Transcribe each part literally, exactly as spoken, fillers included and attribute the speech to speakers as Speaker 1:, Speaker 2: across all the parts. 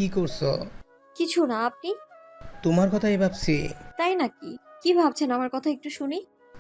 Speaker 1: কি করছো?
Speaker 2: কিছু না, আপনি?
Speaker 1: তোমার কথাই ভাবছি।
Speaker 2: তাই নাকি? কি ভাবছেন আমার কথা একটু শুনি।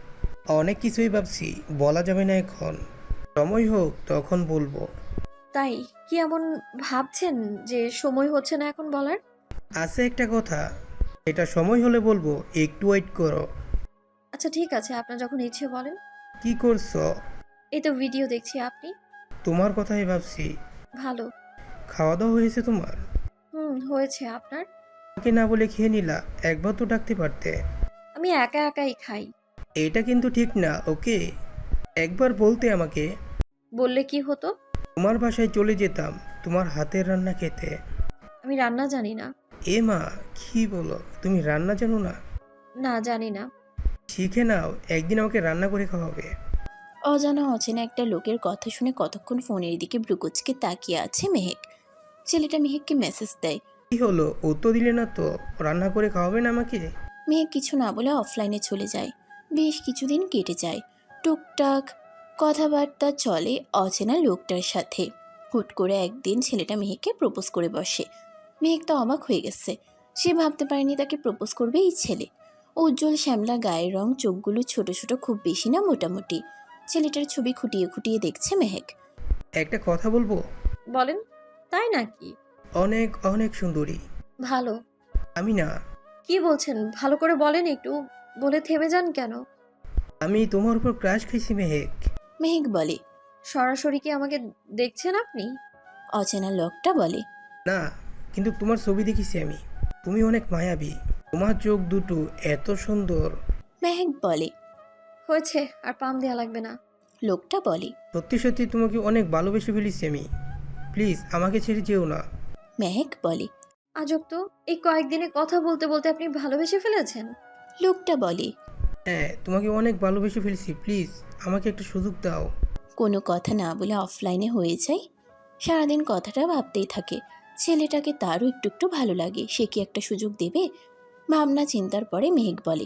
Speaker 1: অনেক কিছুই ভাবছি, বলা যাবে না এখন। সময় হোক তখন বলবো।
Speaker 2: তাই? কি এমন ভাবছেন যে সময় হচ্ছে না এখন বলার?
Speaker 1: আছে একটা কথা, এটা সময় হলে বলবো, একটু ওয়েট করো।
Speaker 2: আচ্ছা ঠিক আছে, আপনার যখন ইচ্ছে বলেন।
Speaker 1: কি করছো?
Speaker 2: এই তো ভিডিও দেখছি, আপনি?
Speaker 1: তোমার কথাই ভাবছি।
Speaker 2: ভালো।
Speaker 1: খাওয়া দাওয়া হয়েছে তোমার?
Speaker 2: হুম, হয়েছে। আপনার?
Speaker 1: আমাকে না বলে খেয়ে নিলা, একবার তো ডাকতে পারতে।
Speaker 2: আমি একা একাই খাই।
Speaker 1: এটা কিন্তু ঠিক না, ওকে? একবার বলতে আমাকে।
Speaker 2: বললে কি হতো?
Speaker 1: তোমার বাসায় চলে যেতাম, তোমার হাতের রান্না খেতে।
Speaker 2: আমি রান্না জানি না।
Speaker 1: এ মা, কি বলো, তুমি রান্না জানো না?
Speaker 2: না, জানি না।
Speaker 1: শিখে নাও, একদিন আমাকে রান্না করে খাওয়াবে।
Speaker 3: অজানা অচেনা একটা লোকের কথা শুনে কতক্ষণ ফোনের দিকে ভ্রুকুচকে তাকিয়ে আছে মেহেক। ছেলেটা মেহেককে মেসেজ দেয়।
Speaker 1: কি হলো, উত্তর দিলে না তো? রান্না করে খাওয়াবেন আমাকে?
Speaker 3: মেহেক কিছু না বলে অফলাইনে চলে যায়। বেশ কিছুদিন কেটে যায়। টুকটাক কথাবার্তা চলে অচেনা লোকটার সাথে। হুট করে একদিন ছেলেটা মেহেককে প্রপোজ করে বসে। মেহেক তো অবাক হয়ে গেছে। সে ভাবতে পারেনি তাকে প্রপোজ করবে এই ছেলে। উজ্জ্বল শ্যামলা গায়ের রং, চোখগুলো ছোট ছোট, খুব বেশি না মোটামুটি। ছেলেটার ছবি খুঁটিয়ে খুঁটিয়ে দেখছে মেহেক।
Speaker 1: একটা কথা বলবো?
Speaker 2: বলেন। তাই নাকি?
Speaker 1: অনেক অনেক সুন্দরী।
Speaker 2: ভালো।
Speaker 1: আমি না,
Speaker 2: কি বলছেন? ভালো করে বলেন একটু। বলে থেমে যান কেন?
Speaker 1: আমি তোমার উপর ক্রাশ খাইছি মেহেক।
Speaker 3: মেহেক বলে।
Speaker 2: সরাসরি কি আমাকে দেখছেন আপনি?
Speaker 3: অচেনা লোকটা বলে।
Speaker 1: না, কিন্তু তোমার ছবি দেখেছি আমি। তুমি অনেক মায়াবী, তোমার চোখ দুটো এত সুন্দর।
Speaker 3: মেহেক বলে।
Speaker 2: হয়েছে, আর পাম দেয়া লাগবে না।
Speaker 3: লোকটা বলে।
Speaker 1: সত্যি সত্যি তোমাকে অনেক ভালোবেসে ফেলেছি আমি। প্লিজ আমাকে ছেড়ে যেও না।
Speaker 3: মেহেক বলে।
Speaker 2: আজব তো, এই কয়েকদিনে কথা বলতে বলতে আপনি ভালোবেসে ফেলেছেন।
Speaker 3: লোকটা বলে।
Speaker 1: হ্যাঁ, তোমাকে অনেক ভালোবেসে ফেলেছি, প্লিজ আমাকে একটা সুযোগ দাও।
Speaker 3: কোনো কথা না বলে অফলাইনে হয়ে যায়। সারাদিন কথাটা ভাবতেই থাকে। ছেলেটাকে তারও একটু একটু ভালো লাগে, সে কি একটা সুযোগ দেবে? ভাবনা চিন্তার পরে মেহেক বলে।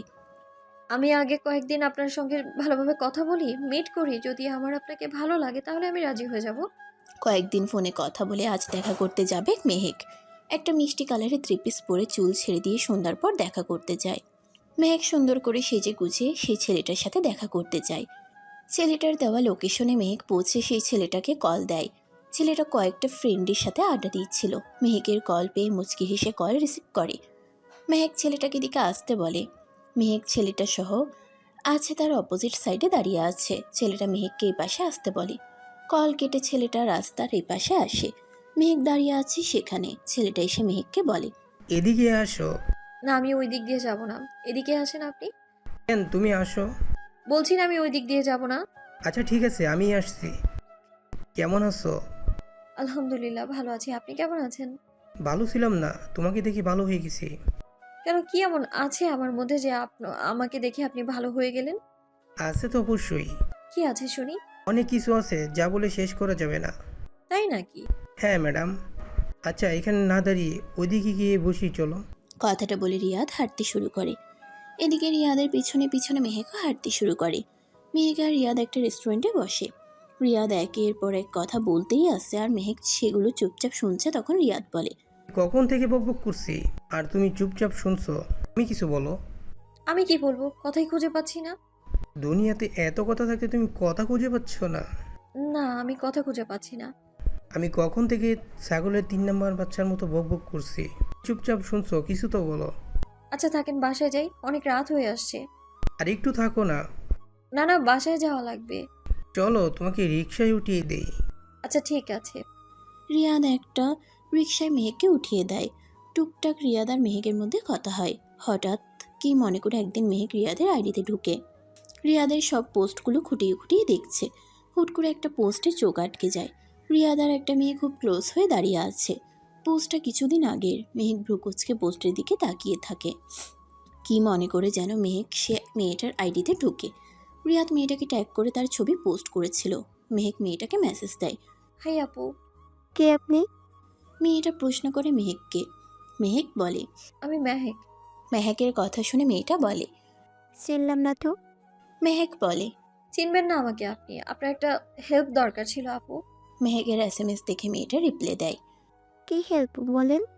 Speaker 2: আমি আগে কয়েকদিন আপনার সঙ্গে ভালোভাবে কথা বলি, মিট করি। যদি আমার আপনাকে ভালো লাগে তাহলে আমি রাজি হয়ে যাব।
Speaker 3: কয়েকদিন ফোনে কথা বলে আজ দেখা করতে যাবে মেহেক। একটা মিষ্টি কালারের থ্রি পিস পরে চুল ছেড়ে দিয়ে সন্ধ্যার পর দেখা করতে যায়। মেহেক সুন্দর করে সেজে গুছিয়ে সেই ছেলেটার সাথে দেখা করতে যায়। ছেলেটার দেওয়া লোকেশনে মেহেক পৌঁছে সেই ছেলেটাকে কল দেয়। ছেলেটা কয়েকটা ফ্রেন্ডের সাথে আড্ডা দিচ্ছিল। মেহেকের কল পেয়ে মুচকি হেসে কল রিসিভ করে। মেহেক ছেলেটাকে দিকে আসতে বলে। মেহেক ছেলেটা সহ আছে তার অপোজিট সাইডে দাঁড়িয়ে আছে। ছেলেটা মেহেককে এই পাশে আসতে বলে। কল কেটে ছেলেটা রাস্তার এই পাশে আসে। মেহেক দাঁড়িয়ে আছে সেখানে। ছেলেটা এসে মেহেককে বলে।
Speaker 1: এদিকে আসো।
Speaker 2: না, আমি ওই দিক দিয়ে যাব না। এদিকে আসেন আপনি।
Speaker 1: কেন, তুমি আসো।
Speaker 2: বলছি না আমি ওই দিক দিয়ে যাব না।
Speaker 1: আচ্ছা ঠিক আছে, আমি আসছি। কেমন আছো?
Speaker 2: আলহামদুলিল্লাহ, ভালো আছি। আপনি কেমন আছেন?
Speaker 1: ভালো ছিলাম না, তোমাকে দেখে ভালো হয়ে গেছি।
Speaker 2: কেন, কি এমন আছে আমার মধ্যে যে আপ আমাকে দেখে আপনি ভালো হয়ে গেলেন?
Speaker 1: আছে তো অবশ্যই।
Speaker 2: কি আছে শুনি।
Speaker 1: অনেক কিছু আছে যা বলে শেষ করা যাবে না।
Speaker 2: তাই নাকি?
Speaker 1: হ্যাঁ ম্যাডাম। আচ্ছা, এখানে না দাঁড়িয়ে ওইদিকে গিয়ে বসি, চলো।
Speaker 3: কথাটা বলে রিয়াদ হাঁটতে শুরু করে। এদিকে রিয়াদের পিছনে পিছনে মেহেকও হাঁটতে শুরু করে। মেহেক আর রিয়াদ একটা রেস্টুরেন্টে বসে। রিয়াদ একের পর এক কথা বলতেই আসছে আর মেহেক সেগুলো চুপচাপ শুনছে। তখন রিয়াদ বলে।
Speaker 1: কখন থেকে বকবক করছি আর তুমি চুপচাপ শুনছো? তুমি কিছু বলো।
Speaker 2: আমি কি বলবো, কথাই খুঁজে পাচ্ছি না।
Speaker 1: দুনিয়াতে এত কথা থাকতে তুমি কথা খুঁজে পাচ্ছ না?
Speaker 2: না, আমি কথা খুঁজে পাচ্ছি না।
Speaker 1: আমি কখন থেকে ছাগলের তিন নাম্বার বাচ্চার মতো বকবক করছি? চুপচাপ শুনছো, কিছু তো বলো।
Speaker 2: আচ্ছা থাকেন, বাসায় যাই, অনেক রাত হয়ে আসছে।
Speaker 1: আর একটু থাকো না।
Speaker 2: না না, বাসায় যাওয়া লাগবে।
Speaker 1: চলো, তোমাকে রিক্সায় উঠিয়ে দেই।
Speaker 2: আচ্ছা ঠিক আছে।
Speaker 3: রিয়াদ একটা রিকশায় মেহেককে উঠিয়ে দেয়। টুকটাক রিয়াদ আর মেহেকের মধ্যে কথা হয়। হঠাৎ কি মনে করে একদিন মেহেক রিয়াদের আইডিতে ঢুকে রিয়াদের সব পোস্টগুলো খুঁটিয়ে খুঁটিয়ে দেখছে। হুট করে একটা পোস্টে চোখ আটকে যায়। রিয়াদ আর একটা মেয়ে খুব ক্লোজ হয়ে দাঁড়িয়ে আছে। পোস্টটা কিছুদিন আগের। মেহেক ভ্রুকুচকে পোস্টের দিকে তাকিয়ে থাকে। কি মনে করে যেন মেহেক সে মেয়েটার আইডিতে ঢুকে। রিয়াদ মেয়েটাকে ট্যাগ করে তার ছবি পোস্ট করেছিল। মেহেক মেয়েটাকে মেসেজ দেয়।
Speaker 2: হাই আপু।
Speaker 4: কে আপনি?
Speaker 3: মেয়েটা প্রশ্ন করে মেহেককে। মেহেক বলে।
Speaker 2: আমি মেহেক।
Speaker 3: মেহেকের কথা শুনে মেয়েটা বলে।
Speaker 4: চিনলাম না তো।
Speaker 3: মেহেক বলে।
Speaker 2: চিনবেন না আমাকে আপনি? আপনার একটা হেল্প দরকার ছিল আপু।
Speaker 3: মেহেকের এস এম এস দেখে মেয়েটা রিপ্লাই দেয়।
Speaker 4: কি হেল্প বলেন?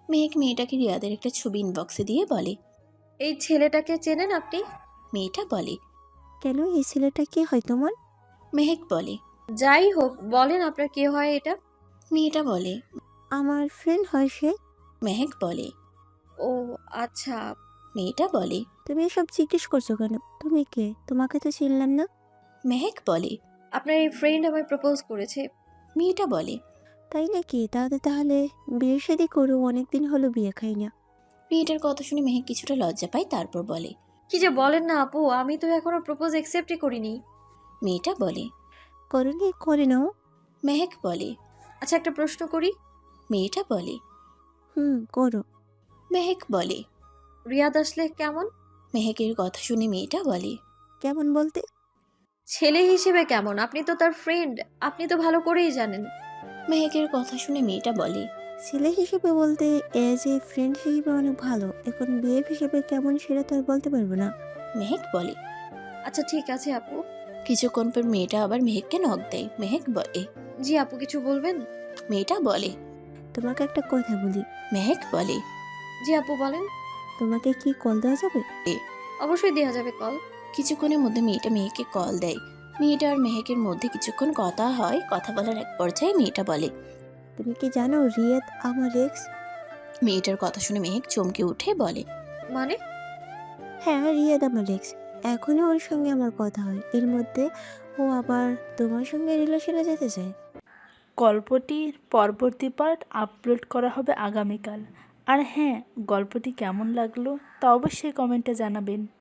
Speaker 3: মেহেক মেয়েটাকে রিয়াদের একটা ছবি ইনবক্সে দিয়ে বলে।
Speaker 2: এই ছেলেটাকে চেনেন আপনি?
Speaker 3: মেয়েটা বলে।
Speaker 4: কেন, এই ছেলেটা কে হয় তোমার?
Speaker 3: মেহেক বলে।
Speaker 2: যাই হোক, বলেন আপনার কি হয় এটা?
Speaker 3: মেয়েটা বলে।
Speaker 4: আমার ফ্রেন্ড হয় সে।
Speaker 3: মেহেক বলে।
Speaker 2: ও আচ্ছা।
Speaker 3: মেয়েটা বলে।
Speaker 4: তুমি এসব জিজ্ঞেস করছো কেন? তুমি কে? তোমাকে তো চিনলাম না।
Speaker 3: মেহেক বলে।
Speaker 2: আপনার এই ফ্রেন্ড আমায় প্রপোজ করেছে।
Speaker 3: মেয়েটা বলে।
Speaker 4: তাই নাকি? তাহলে তাহলে বিয়ে শাদী করো, অনেকদিন হলো বিয়ে খাই না।
Speaker 3: মেয়েটার কথা শুনে মেহেক কিছুটা লজ্জা পায়, তারপর বলে।
Speaker 2: কি যে বলেন না আপু, আমি তো এখনো প্রপোজ অ্যাকসেপ্টই করিনি।
Speaker 3: মেয়েটা বলে।
Speaker 4: করনি? করে নাও।
Speaker 3: মেহেক বলে।
Speaker 2: আচ্ছা একটা প্রশ্ন করি।
Speaker 3: মেয়েটা বলে।
Speaker 4: হুম, করো।
Speaker 3: মেহেক বলে।
Speaker 2: রিয়াদ আসলে কেমন?
Speaker 3: মেহেকের কথা শুনে মেয়েটা বলে।
Speaker 4: কেমন বলতে?
Speaker 2: ছেলে হিসেবে কেমন? আপনি তো তার ফ্রেন্ড, আপনি তো ভালো করেই জানেন।
Speaker 3: মেহেকের কথা শুনে মেয়েটা বলে।
Speaker 4: ছেলে হিসেবে বলতে এজ এ ফ্রেন্ড হিসেবে অনেক ভালো, এখন বিয়ে হিসেবে কেমন সেটা তো আর বলতে পারবো না।
Speaker 3: মেহেক বলে।
Speaker 2: আচ্ছা ঠিক আছে আপু।
Speaker 3: কিছুক্ষণ পর মেয়েটা আবার মেহেককে নক দেয়। মেহেক বলে।
Speaker 2: জি আপু, কিছু বলবেন?
Speaker 3: মেয়েটা বলে।
Speaker 4: তোমাকে একটা কথা বলি।
Speaker 3: মেহেক বলে।
Speaker 2: জি আপু বলেন।
Speaker 4: তোমাকে কি কল দেওয়া যাবে?
Speaker 2: অবশ্যই দেওয়া যাবে কল।
Speaker 3: কিছুক্ষণের মধ্যে মেয়েটা মেহেককে কল দেয়। মেয়েটা আর মেহেকের মধ্যে কিছুক্ষণ কথা হয়। কথা বলার এক পর্যায়ে মেয়েটা বলে।
Speaker 4: তুমি কি জানো রিয়াদ আমার এক্স?
Speaker 3: মেয়েটার কথা শুনে মেহেক চমকে উঠে বলে।
Speaker 2: মানে?
Speaker 4: হ্যাঁ, রিয়াদ আমার এক্স। এখনও ওর সঙ্গে আমার কথা হয়, এর মধ্যে ও আবার তোমার সঙ্গে রিলেশনে যেতে চায়।
Speaker 5: গল্পটির পরবর্তী পার্ট আপলোড করা হবে আগামীকাল। আর হ্যাঁ, গল্পটি কেমন লাগলো তা অবশ্যই কমেন্টে জানাবেন।